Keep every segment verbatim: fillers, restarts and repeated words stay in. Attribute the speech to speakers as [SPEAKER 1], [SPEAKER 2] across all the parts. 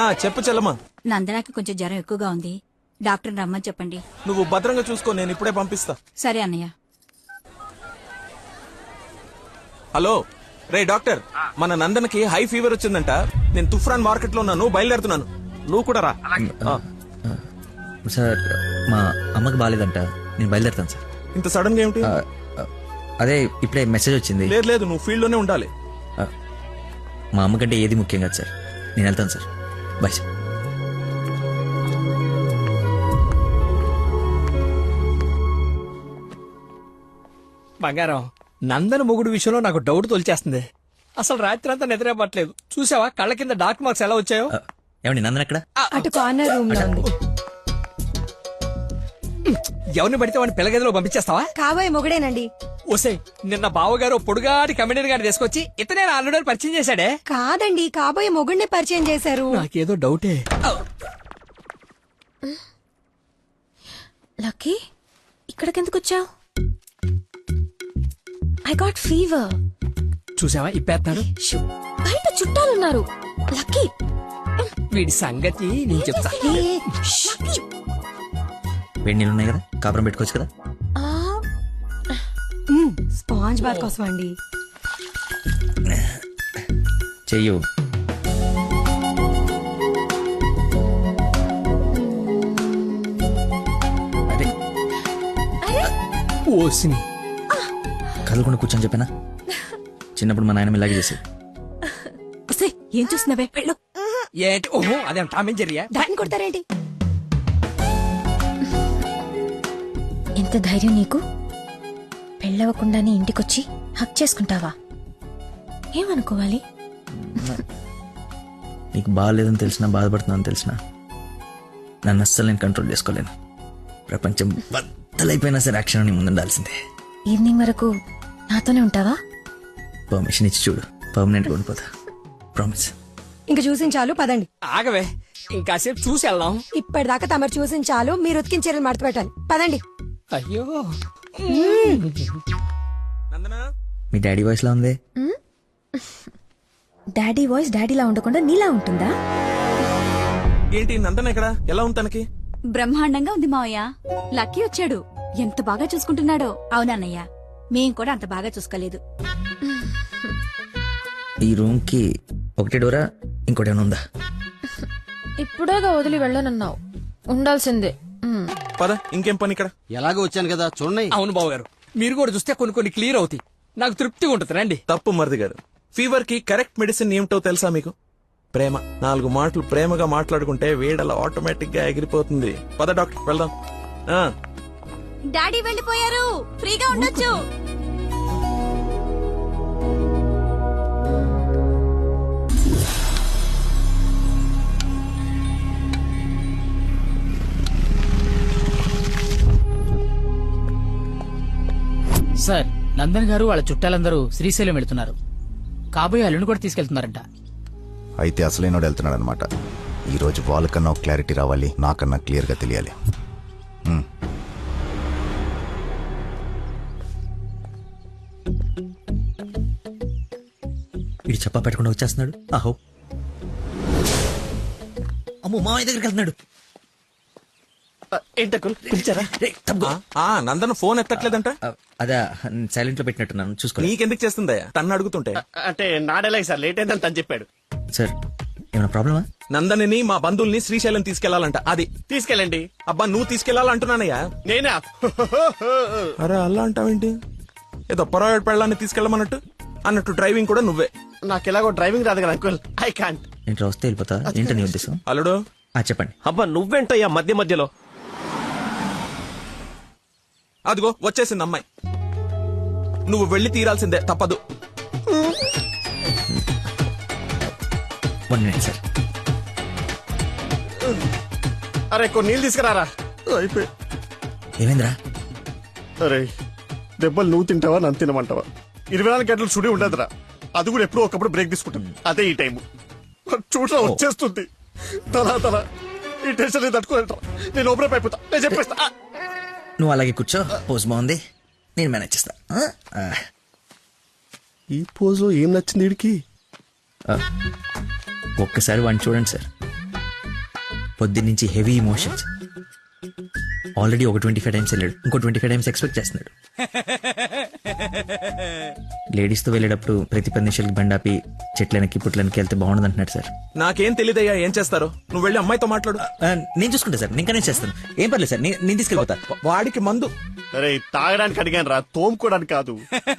[SPEAKER 1] చెప్పు చెల్లమ్మా.
[SPEAKER 2] నందనాకి కొంచెం జ్వరం ఎక్కువగా ఉంది, డాక్టర్ రమ్మని చెప్పండి.
[SPEAKER 1] నువ్వు భద్రంగా చూసుకో, నేను ఇప్పుడే పంపిస్తా.
[SPEAKER 2] సరే అన్నయ్య.
[SPEAKER 1] హలో రే డాక్టర్, మన నందనకి హై ఫీవర్ వచ్చిందంట. నేను తుఫ్రాన్ మార్కెట్ లో ఉన్నాను, బయలుదేరుతున్నాను. నువ్వు కూడా రా.
[SPEAKER 3] సార్ మా అమ్మకి బాగాలేదంట, నేను బయలుదేరుతాను సార్.
[SPEAKER 1] ఇంత సడన్ గా ఏమిటి?
[SPEAKER 3] అదే ఇప్పుడే మెసేజ్ వచ్చింది.
[SPEAKER 1] లేదు లేదు, నువ్వు ఫీల్డ్ లోనే ఉండాలి.
[SPEAKER 3] మా అమ్మకంటే ఏది ముఖ్యం కాదు సార్, నేను వెళ్తాను సార్. Bye sir.
[SPEAKER 4] బంగారం, నందన మొగుడు విషయంలో నాకు డౌట్ తొలిచేస్తుంది. అసలు రాత్రి అంతా నిద్రపట్లేదు. చూసావా కళ్ళ కింద డార్క్ మార్క్స్ ఎలా వచ్చాయో?
[SPEAKER 3] ఏమండి నందన ఎక్కడ?
[SPEAKER 5] అటు కార్నర్ రూమ్ లో ఉంది.
[SPEAKER 4] ఎవరిని పడితే వాడిని పిల్లగదిలో పంపించేస్తావా?
[SPEAKER 5] కాబోయే మొగుడేనండి.
[SPEAKER 4] ఓసే, నిన్న బావగారు పొడుగాటి కమిడీని గారిని తీసుకొచ్చి ఇతనే ఆల్రెడీ పరిచయం చేశాడే.
[SPEAKER 5] కాదండి, కాబోయే మొగుడిని పరిచయం చేశారు.
[SPEAKER 4] నాకేదో డౌటే.
[SPEAKER 6] లక్కీ, ఇక్కడికెందుకు వచ్చావు? I got fever.
[SPEAKER 4] చూసావా ఇప్పేస్తాడు.
[SPEAKER 6] బయట చుట్టాలున్నారు. లక్కీ,
[SPEAKER 4] వీడి సంగతి నేను చెప్తా.
[SPEAKER 3] వేడి నీళ్ళు ఉన్నాయి కదా, కాపురం పెట్టుకోవచ్చు కదా.
[SPEAKER 5] స్పాంజ్ బాత్ కోసం అండి.
[SPEAKER 3] చెయ్యు. అరే
[SPEAKER 4] ఓసిని
[SPEAKER 3] కదలకుండా కూర్చొని చెప్పానా? చిన్నప్పుడు మా నాయనమ్మ ఇలాగే చేసేది.
[SPEAKER 2] ఏం చూస్తున్నావే? వెళ్ళు.
[SPEAKER 4] ఏంటి? ఓహో, అదేం టామేం జరిగా?
[SPEAKER 5] దాన్ని కొడతారేంటి?
[SPEAKER 6] ఎంత ధైర్యం నీకు? పెళ్ళవకుండానే ఇంటికొచ్చి హక్ చేసుకుంటావా? ఏమనుకోవాలి?
[SPEAKER 3] నీకు బాగాలేదని తెలిసినా, బాధపడుతున్నాను తెలిసినా, నన్ను అస్సలు నేను కంట్రోల్ చేసుకోలేను. ప్రపంచం బద్దలైపోయినా సరే యాక్షన్ నీ ముందు ఉండాల్సిందే.
[SPEAKER 6] ఈవినింగ్ వరకు నాతోనే ఉంటావా?
[SPEAKER 3] పర్మిషన్ ఇచ్చి చూడు, పర్మనెంట్గా ఉండిపోతా. ప్రామిస్.
[SPEAKER 5] ఇంక చూసించాలు, పదండి.
[SPEAKER 4] ఆగవే, ఇంకాసేపు చూసి వెళ్దాం.
[SPEAKER 5] ఇప్పటిదాకా తమరు చూసించాలు, మీరు ఉతికిన చీరలు మడత పెట్టాలి. పదండి.
[SPEAKER 4] అయ్యో,
[SPEAKER 1] నందనా,
[SPEAKER 3] మీ డాడీ వాయిస్ లా ఉంది.
[SPEAKER 6] డాడీ వాయిస్ డాడీలా ఉండకుండా నీలా ఉంటుందా?
[SPEAKER 1] ఏంటి నందన ఎక్కడ? ఎలా ఉంది తనకి?
[SPEAKER 2] బ్రహ్మాండంగా ఉంది మావయ్య. లక్కీ వచ్చాడు, ఎంత బాగా చూసుకుంటున్నాడో. అవునన్నయ్య, మేం కూడా అంత బాగా చూసుకోలేదు.
[SPEAKER 3] ఈ రూమ్ కి ఒకటే డోరా, ఇంకోటి ఏమైనా ఉందా?
[SPEAKER 6] ఇప్పుడేగా వదిలి వెళ్ళనన్నావు, ఉండాల్సిందే.
[SPEAKER 1] పద, ఇంకేం పని ఇక్కడ?
[SPEAKER 7] ఎలాగో వచ్చాను కదా చూడండి.
[SPEAKER 4] అవును బాబు గారు, మీరు కూడా చూస్తే కొన్ని కొన్ని క్లియర్ అవుతాయి. నాకు తృప్తిగా ఉంటుంది. రండి.
[SPEAKER 1] తప్పు మరిది గారు, ఫీవర్ కి కరెక్ట్ మెడిసిన్ ఏమిటో తెలుసా మీకు? ప్రేమ. నాలుగు మాటలు ప్రేమగా మాట్లాడుకుంటే వేడలా ఆటోమేటిక్ గా ఎగిరిపోతుంది. పద డాక్టర్, వెళ్దాం. ఆ
[SPEAKER 2] డాడీ వెళ్ళిపోయారు, ఫ్రీగా ఉండొచ్చు.
[SPEAKER 8] సార్, నందన్ గారు వాళ్ళ చుట్టాలందరూ శ్రీశైలం వెళ్తున్నారు. కాబోయే అల్లుని కూడా తీసుకెళ్తున్నారంట.
[SPEAKER 9] అయితే అసలైనోడు వెళ్తున్నాడు అనమాట. ఈరోజు వాళ్ళకన్నా ఒక క్లారిటీ రావాలి, నాకన్నా క్లియర్గా తెలియాలి.
[SPEAKER 3] వీడు చెప్పా పెట్టకుండా వచ్చేస్తున్నాడు. ఆహో, అమ్మో, మామయ్య దగ్గరికి వెళ్తున్నాడు.
[SPEAKER 1] ఆ నందన ఫోన్ ఎత్తట్లేదంట.
[SPEAKER 3] అదే సైలెంట్ లో పెట్టినట్టున్నాను, చూసుకో.
[SPEAKER 1] నీకెందుకు చేస్తుందయ్యా తన్ను అడుగుతుంటే?
[SPEAKER 7] అంటే నాడేలాగ సార్, లేట్ అయిందని తను చెప్పాడు.
[SPEAKER 3] సార్, ఏమైనా ప్రాబ్లమా?
[SPEAKER 1] నందనిని మా బంధువుల్ని శ్రీశైలం తీసుకెళ్లాలంట. అది
[SPEAKER 7] తీసుకెళ్ళండి.
[SPEAKER 1] అబ్బా, నువ్వు తీసుకెళ్లాలంటున్నానయ్యా.
[SPEAKER 7] నేనా?
[SPEAKER 1] అరే అలా అంటావేంటి? ఏదో పొరపాటు పెళ్ళాన్ని తీసుకెళ్ళమన్నట్టు అన్నట్టు డ్రైవింగ్ కూడా నువ్వే.
[SPEAKER 7] నాకు ఎలాగో డ్రైవింగ్ రాదు కదా అంకుల్, ఐ కాంట్.
[SPEAKER 3] ఇంట్లో వస్తే వెళ్ళిపోతా. ఏంటో నీ ఉద్దేశం?
[SPEAKER 1] అల్లుడు,
[SPEAKER 3] చెప్పండి.
[SPEAKER 7] అబ్బా నువ్వేంటయ్యా మధ్య మధ్యలో?
[SPEAKER 1] అదిగో వచ్చేసింది అమ్మాయి. నువ్వు వెళ్ళి తీరాల్సిందే, తప్పదు.
[SPEAKER 3] One minute sir.
[SPEAKER 7] అరే కొన్ని నీళ్ళు తీసుకురారా. అయిపోయి.
[SPEAKER 3] ఏమైందిరా?
[SPEAKER 7] అరే దెబ్బలు నువ్వు తింటావా నన్ను తినమంటావా? ఇరవై నాలుగు గంటలు చుడి ఉండదురా. అది కూడా ఎప్పుడో ఒకప్పుడు బ్రేక్ తీసుకుంటాం. అదే ఈ టైము చూడరా వచ్చేస్తుంది. తలా తలా ఈ టెన్షన్ తట్టుకోలేట. నేను ఓపెన్ అయిపోతా, నేను చెప్పేస్తా.
[SPEAKER 3] నువ్వు అలాగే కూర్చో, పోజ్ బాగుంది, నేను మేనేజ్ చేస్తా.
[SPEAKER 7] ఈ పోజ్ లో ఏం నచ్చింది వీడికి?
[SPEAKER 3] ఒక్కసారి వాడిని చూడండి సార్. పొద్దున్నుంచి హెవీ ఇమోషన్స్. ఆల్రెడీ ఒక ట్వంటీ ఫైవ్ టైమ్స్ వెళ్ళాడు, ఇంకో ట్వంటీ ఫైవ్ టైమ్స్ ఎక్స్పెక్ట్ చేస్తున్నాడు. లేడీస్ తో వెళ్ళేటప్పుడు ప్రతి పది నిమిషాలకి బండాపి చెట్లనికి పుట్లనికి వెళ్తే బాగుండదు అంటున్నాడు సార్.
[SPEAKER 1] నాకేం తెలియదయ్యా ఏం చేస్తారో. నువ్వు వెళ్ళి అమ్మాయితో మాట్లాడు.
[SPEAKER 3] ఆ, నేను చూసుకుంటా సార్, నేను కనెక్ట్ చేస్తాను. ఏం పర్లేదు సార్, నేను నేను తీసుకెళ్ళిపోతా.
[SPEAKER 1] వాడికి మందు.
[SPEAKER 7] అరే తాగడానికి అడిగాను రా, తోముకోవడానికి కాదు.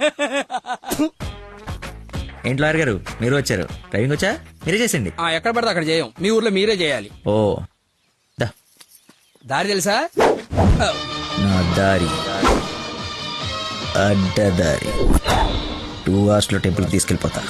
[SPEAKER 3] ఏంటి లాయర్ గారు మీరు వచ్చారు? డ్రైవింగ్ వచ్చా? మీరే చేసండి.
[SPEAKER 4] ఆ, ఎక్కడ పడితే అక్కడ చేయం, మీ ఊర్లో మీరే చేయాలి.
[SPEAKER 3] ఓ దా
[SPEAKER 4] దారి తెలుసా? ఆ,
[SPEAKER 3] నా దారి అడ్డదారి. టూ అవర్స్ లో టెంపుల్ తీసుకెళ్ళిపోతా.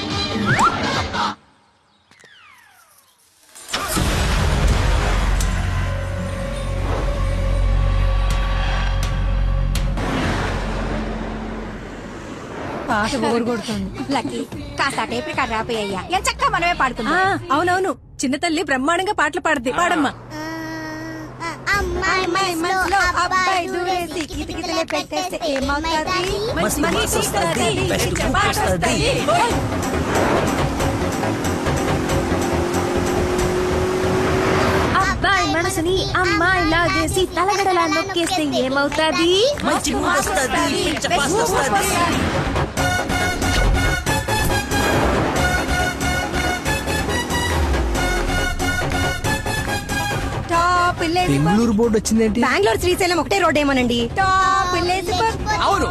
[SPEAKER 5] పాట బోరు కొడుతుంది.
[SPEAKER 2] లక్కీ కాస్త టేప్ రికార్డ్ రాపోయ్యా ఎంత చక్కగా మనమే పాడుకుందాం.
[SPEAKER 5] అవునవును, చిన్న తల్లి బ్రహ్మాండంగా పాటలు పాడుద్ది. పాడమ్మా. అమ్మాయి మనసులో అబ్బాయి దూరేసి కితకితలే పెట్టేస్తే ఏమవుతాది?
[SPEAKER 3] మస్తు
[SPEAKER 5] మనీ
[SPEAKER 3] మస్తు వస్తది,
[SPEAKER 5] వస్తది,
[SPEAKER 3] బెస్ట్
[SPEAKER 5] పాట
[SPEAKER 3] వస్తది.
[SPEAKER 5] వస్తది.
[SPEAKER 6] అబ్బాయి మనసుని అమ్మాయి లాగేసి తలగడలా నొక్కేస్తే ఏమవుతాది?
[SPEAKER 3] మంచి మూడ్ వస్తది, పిచ్చ పాస్ వస్తది.
[SPEAKER 5] టాప్ విలేజ్
[SPEAKER 4] బెంగళూరు బోర్డు వచ్చిందేంటి?
[SPEAKER 5] బెంగళూరు శ్రీశైలం ఒకటే రోడ్ ఏమోనండి. టాప్ విలేజ్
[SPEAKER 4] అవును.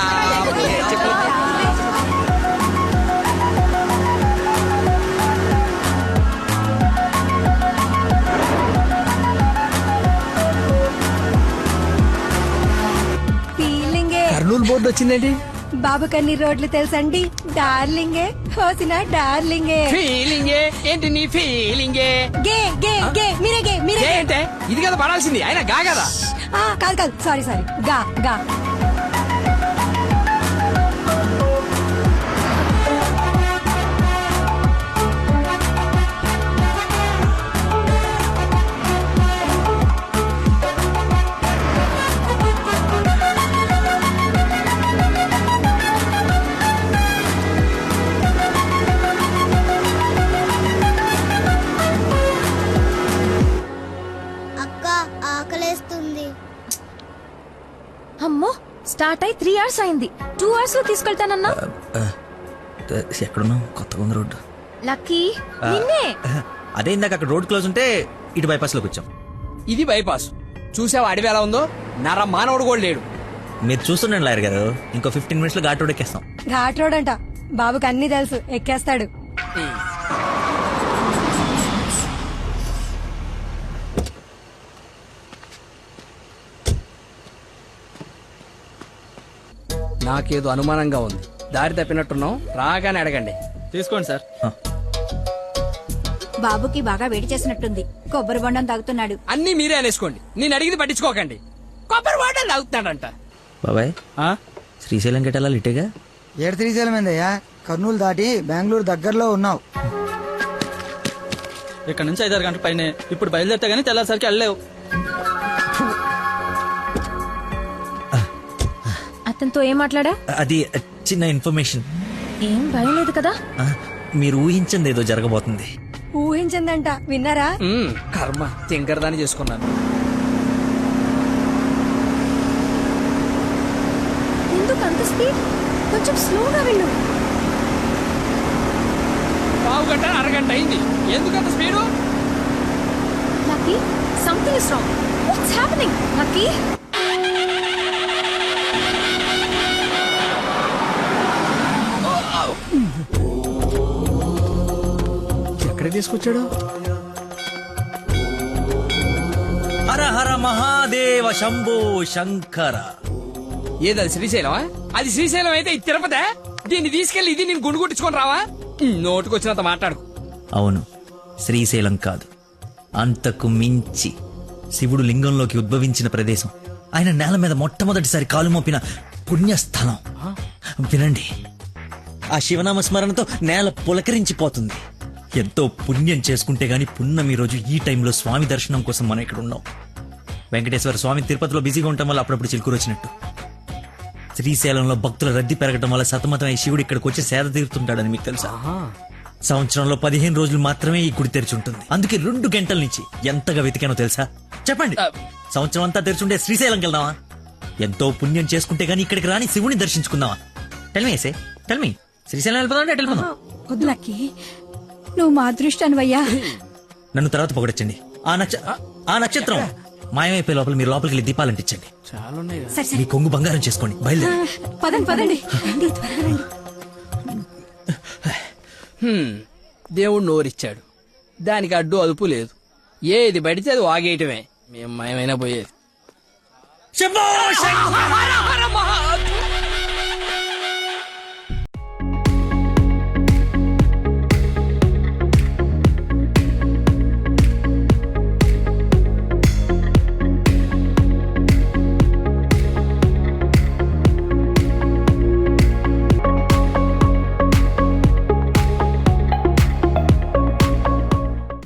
[SPEAKER 5] ఫీలింగే.
[SPEAKER 4] కర్నూలు బోర్డు వచ్చిందేంటి?
[SPEAKER 5] బాబు కన్ని రోడ్లు తెలుసండి. డార్లింగే హోసిన డార్లింగే.
[SPEAKER 4] ఫీలింగే ఏంటి నీ ఫీలింగే?
[SPEAKER 5] గే గే గే మీరే గే మీరే గే.
[SPEAKER 4] ఏంటే ఇది కదా పడాల్సింది, అయినా గా కదా.
[SPEAKER 5] ఆ, కాదు కాదు సారీ సారీ గా గా.
[SPEAKER 10] అక్క ఆకలేస్తుంది.
[SPEAKER 6] అమ్మో, స్టార్ట్ అయి త్రీ అవర్స్ అయింది. టూ అవర్స్ లో తీసుకెళ్తానన్నా.
[SPEAKER 3] ఆ, ఎక్కడున్నావు? కొత్తగా ఉంది రోడ్డు.
[SPEAKER 6] లక్కీ నిన్నే.
[SPEAKER 3] అదే ఇందాక అక్కడ రోడ్ క్లోజ్ ఉంటే ఇటు బైపాస్ లోకి వచ్చాం.
[SPEAKER 4] ఇది బైపాస్. చూసావా అడవి ఎలా ఉందో? నర మానవుడు కూడా లేడు.
[SPEAKER 3] మీరు చూస్తుండండి లాయర్ గారు, ఇంకో ఫిఫ్టీన్ మినిట్స్ లో ఘాట్ రోడ్ ఎక్కేస్తాం.
[SPEAKER 5] ఘాట్ రోడ్ అంట. బాబుకి అన్ని తెలుసు, ఎక్కేస్తాడు.
[SPEAKER 4] నాకేదో అనుమానంగా ఉంది. దారి తప్పినట్టున్నాం, రాగానే అడగండి.
[SPEAKER 8] తీసుకోండి సార్.
[SPEAKER 2] బాబుకి బాగా వేడి చేసినట్టుంది, కొబ్బరి బొండం తాగుతున్నాడు.
[SPEAKER 4] అన్ని మీరే అనేసుకోండి, నేను అడిగింది పట్టించుకోకండి. కొబ్బరి వాటర్ తాగుతున్నాడంట.
[SPEAKER 3] బాబాయ్ శ్రీశైలం గెటాలా ఇటేగా?
[SPEAKER 11] ఏడు శ్రీశైలం ఏందయ్యా? కర్నూలు దాటి బెంగళూరు దగ్గరలో ఉన్నావు.
[SPEAKER 8] ఇక్కడ నుంచి ఐదారు గంటల పైన. ఇప్పుడు బయలుదేరితే గానీ తెల్లారిసరికి వెళ్ళలేవు.
[SPEAKER 6] అతనితో ఏం మాట్లాడా?
[SPEAKER 3] అది చిన్న ఇన్ఫర్మేషన్.
[SPEAKER 6] ఏం భయం లేదు కదా?
[SPEAKER 3] ఆ, మీరు ఊహించింది ఏదో జరగబోతుంది.
[SPEAKER 5] ఊహించిందంట, విన్నారా?
[SPEAKER 4] మ్మ్, కర్మ తింకరదాన్ని చేసుకున్నాను.
[SPEAKER 6] ఎందుకు అంత స్పీడ్? కొంచెం స్లోగా వెళ్ళు.
[SPEAKER 4] పావు గంట అరగంట అయింది, ఎందుకంత speed?
[SPEAKER 6] Lucky, something is wrong. What's happening? Lucky,
[SPEAKER 4] ఎక్కడ తీసుకొచ్చాడు?
[SPEAKER 3] హర హర మహాదేవ శంభో శంకర.
[SPEAKER 4] ఏది శ్రీశైలమా? అది శ్రీశైలం అయితే ఇది తిరుపతే. దీన్ని తీసుకెళ్లి ఇది నేను గుండు కొట్టించుకొని రావా? నోటుకొచ్చినంత మాట్లాడుకు.
[SPEAKER 3] అవును, శ్రీశైలం కాదు, అంతకు మించి శివుడు లింగంలోకి ఉద్భవించిన ప్రదేశం, ఆయన నేల మీద మొట్టమొదటిసారి కాలు మోపిన పుణ్యస్థలం. వినండి, ఆ శివనామ స్మరణతో నేల పులకరించిపోతుంది. ఎంతో పుణ్యం చేసుకుంటే గాని పున్నమి రోజు ఈ టైంలో స్వామి దర్శనం కోసం మనం ఇక్కడ ఉన్నాం. వెంకటేశ్వర స్వామి తిరుపతిలో బిజీగా ఉండటం వల్ల అప్పుడప్పుడు చిలుకూరు వచ్చినట్టు, శ్రీశైలంలో భక్తుల రద్దీ పెరగడం వల్ల సతమతమై శివుడు ఇక్కడికి వచ్చి సేద తీరుతుంటాడని మీకు తెలుసా? సంవత్సరంలో పదిహేను రోజులు మాత్రమే ఈ గుడి తెరిచి ఉంటుంది. అందుకే రెండు గంటల నుంచి ఎంతగా వెతికానో తెలుసా? చెప్పండి. సంవత్సరం అంతా తెరిచుండే శ్రీశైలంకి వెళ్దామా? ఎంతో పుణ్యం చేసుకుంటే గానీ ఇక్కడికి రాని శివుని దర్శించుకుందామా? టెల్మీ ఏసే టెల్మీ శ్రీశైలం వెళ్ళిపోదాం అంటే వెళ్ళిపోదాం.
[SPEAKER 5] వద్దు లక్కీ నువ్వు మా అదృష్టానివయ్యా.
[SPEAKER 3] నన్ను తర్వాత పొగడొచ్చండి. ఆ నక్ష ఆ నక్షత్రం మాయమైపోయే లోపల మీరు లోపలికి వెళ్ళి దీపాలు అంటించండి.
[SPEAKER 5] సరే సరే
[SPEAKER 3] మీ కొంగు బంగారం చేసుకోండి. బయలుదేరి.
[SPEAKER 5] పదండి పదండి రండి, త్వరగా రండి.
[SPEAKER 4] హ్మ్, దేవుడు నోరిచ్చాడు, దానికి అడ్డు అదుపు లేదు. ఏది పడితే అది వాగేయటమే. మేము మయమైనా పోయేది.
[SPEAKER 3] శంభో శంకర!